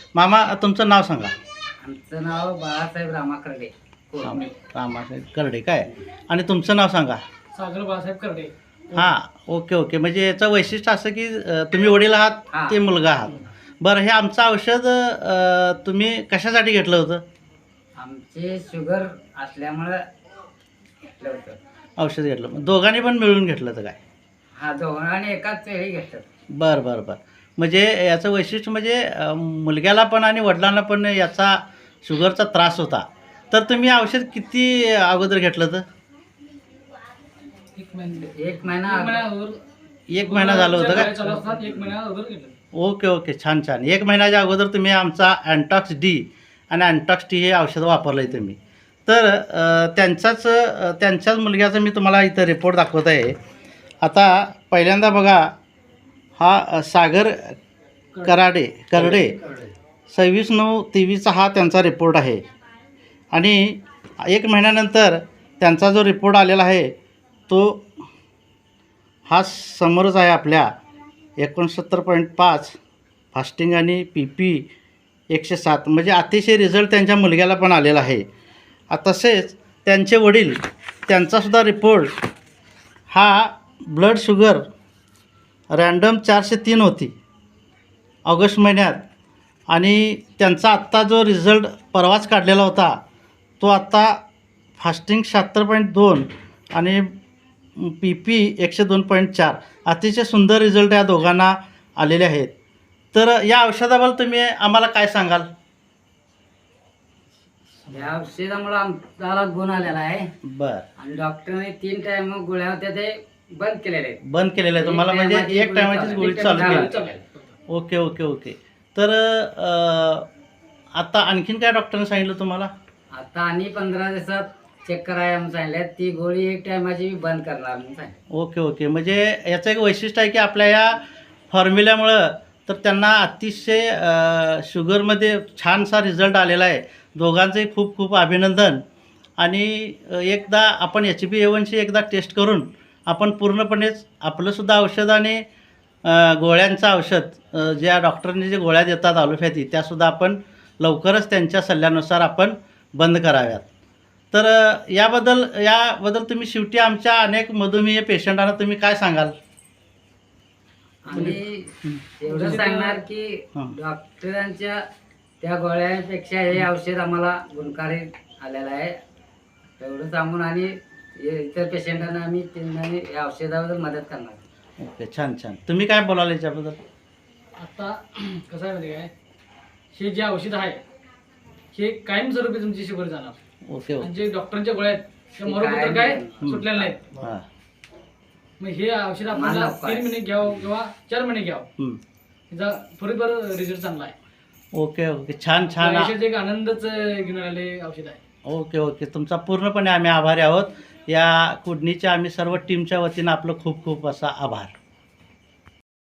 मामा तुमचं नाव सांगा. आमचं नाव बाळासाहेब रामा करडे. रामासाहेब करडे काय, आणि तुमचं नाव सांगा. सागर बाळासाहेब करडे. हां, ओके ओके. म्हणजे याचं वैशिष्ट्य असं की तुम्ही वडील आहात, ते मुलगा आहात. बरं, हे आमचं औषध तुम्ही कशासाठी घेतलं होतं? आमचे शुगर असल्यामुळं घेतलं होतं. औषध घेतलं, दोघांनी पण मिळून घेतलं तर काय? हा, दोघांनी एकाच वेळी घेतलं. बरं बरं बरं. म्हणजे याचं वैशिष्ट्य म्हणजे मुलग्याला पण आणि वडिलांना पण याचा शुगरचा त्रास होता. तर तुम्ही औषध किती अगोदर घेतलं तर? एक महिना एक महिना अगोदर. एक महिना झालं होतं गोळ्या का? चालू असतात, एक महिना अगोदर घेतलं. ओके ओके, छान छान. एक महिन्याच्या अगोदर तुम्ही आमचा अँटॉक्स डी आणि अँटॉक्स टी हे औषध वापरलं आहे तुम्ही. तर त्यांच्याच मुलग्याचा मी तुम्हाला इथं रिपोर्ट दाखवत आहे. आता पहिल्यांदा बघा, हा सागर करडे 26/9/23 हा त्यांचा रिपोर्ट आहे. आणि एक महिन्यानंतर त्यांचा जो रिपोर्ट आलेला आहे तो हा समोरच आहे आपल्या. 69.5 फास्टिंग आणि PP 107, म्हणजे अतिशय रिझल्ट त्यांच्या मुलग्याला पण आलेला आहे. तसेच त्यांचे वडील, त्यांचासुद्धा रिपोर्ट हा ब्लड शुगर रँडम 403 होती ऑगस्ट महिन्यात, आणि त्यांचा आत्ता जो रिझल्ट परवाच काढलेला होता तो आत्ता फास्टिंग 76.2 आणि PP 102.4. अतिशय सुंदर रिझल्ट या दोघांना आलेले आहेत. तर या औषधाबद्दल तुम्ही आम्हाला काय सांगाल? या औषधामुळे आमच्याला गुण आलेला आहे. बरं, आणि डॉक्टरने 3 टाइम गोळ्या होत्या ते बंद केलेले आहेत. बंद केलेलं आहे तुम्हाला, म्हणजे एक टायमाचीच गोळी चालू केली. Okay okay okay. तर आता आणखीन काय डॉक्टरने सांगितलं तुम्हाला? आता आणि 15 दिवसात चेक करायला म्हणून सांगितलं. ती गोळी एक टायमाची बंद करणार म्हणून सांगितलं. Okay okay. म्हणजे याचं एक वैशिष्ट्य आहे की आपल्या या फॉर्म्युल्यामुळं तर त्यांना अतिशय शुगरमध्ये छानसा रिझल्ट आलेला आहे. दोघांचंही खूप खूप अभिनंदन. आणि एकदा आपण HbA1c एकदा टेस्ट करून आपण पूर्णपणेच आपलंसुद्धा औषध आणि गोळ्यांचं औषध ज्या डॉक्टरांनी जे गोळ्या देतात ॲलोपॅथी, त्यासुद्धा आपण लवकरच त्यांच्या सल्ल्यानुसार आपण बंद कराव्यात. तर याबद्दल तुम्ही शेवटी आमच्या अनेक मधुमेह पेशंटांना तुम्ही काय सांगाल? आणि एवढं सांगणार की डॉक्टरांच्या त्या गोळ्यांपेक्षा हे औषध आम्हाला गुणकारी आलेलं आहे. एवढं सांगून आणि इतर पेशंटांना आम्ही त्यांना या औषधाबद्दल मदत करणार. ओके, छान छान. तुम्ही काय बोलाल याच्याबद्दल? आता कसं आहे माहिती काय, हे जे औषध आहे हे कायमस्वरूपी तुमची शुगर जाणार. ओके आणि ओके. जे डॉक्टरच्या गोळ्या आहेत त्या मरोपत्र काय सुटलेल्या नाहीत. हां. मग हे औषध आपल्याला 3 महिने घ्यावं किंवा 4 महिने घ्यावं, याचा फरीबर रिझल्ट चांगला आहे. ओके ओके, छान छान. आयुष्यात एक आनंदच घेऊन आलेले औषध आहे. Okay okay. तुमचा पूर्णपणे आम्ही आभारी आहोत. या कुडणीच्या आम्ही सर्व टीमच्या वतीनं आपलं खूप खूप असा आभार.